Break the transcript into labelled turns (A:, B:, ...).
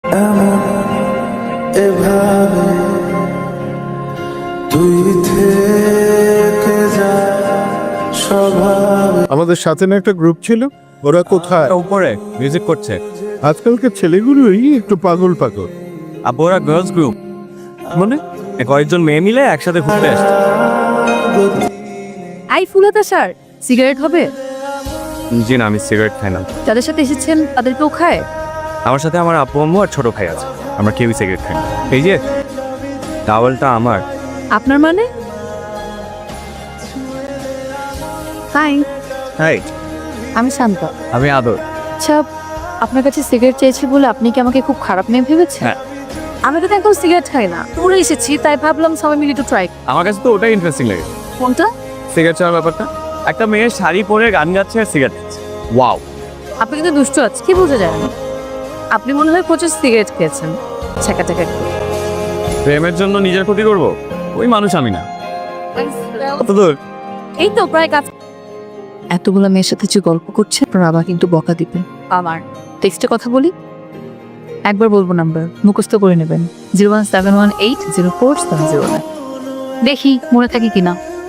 A: এভাবে তুই থেকে যা স্বভাবে।
B: আমাদের সাথে না একটা গ্রুপ ছিল, ওরা কোথায়?
C: উপরে মিউজিক করছে।
B: আজকালকার ছেলেগুলোই একটু পাগল পাগল।
C: আপু ওরা গার্লস গ্রুপ, মানে কয়েকজন মেয়ে মিলে একসাথে ঘুরতে আসছে।
D: আই ফুলাতা স্যার, সিগারেট হবে?
C: জি না, আমি সিগারেট খাই না।
D: যাদের সাথে এসেছেন তাদের কেউ খায়?
C: আমার সাথে আমার আপু আম্মু আর ছোট ভাই আছে, আমরা কেউই সিগারেট খাই না। এই যে টাওয়ালটা আমার।
D: আপনার মানে? হাই,
C: হাই,
D: আমি শান্ত।
C: আমি আদর।
D: আচ্ছা, আপনার কাছে সিগারেট চেয়েছি বলে আপনি কি আমাকে খুব খারাপ মেয়ে ভেবেছেন?
C: হ্যাঁ।
D: আমি তো একদম সিগারেট খাই না, পুরো এসেছি তাই ভাবলাম সবাই মিলে একটু ট্রাই।
C: আমার কাছে তো ওটাই ইন্টারেস্টিং লাগে,
D: কোনটা?
C: সিগারেট ছাড়ার ব্যাপারটা। একটা মেয়ে শাড়ি পরে গান গাচ্ছে আর সিগারেট খাচ্ছে। ওয়াও।
D: আপনি কিন্তু দুষ্ট আছে, কি বোঝা যায় না? আপনি মনে হয় প্রচুর সিগারেট খেয়েছেন। ছেঁকা টেকা
C: প্রেমের জন্য নিজের ক্ষতি করব, ওই মানুষ আমি না। কত দূর?
D: এই তো প্রায় কাজ। এতগুলো মেয়ের সাথে যে গল্প করছে বাবা কিন্তু বকা দিবে। আমার টেক্সটে কথা বলি, একবার বলবো নাম্বার মুখস্থ করে নেবেন, 017180470। দেখি মনে থাকে কিনা।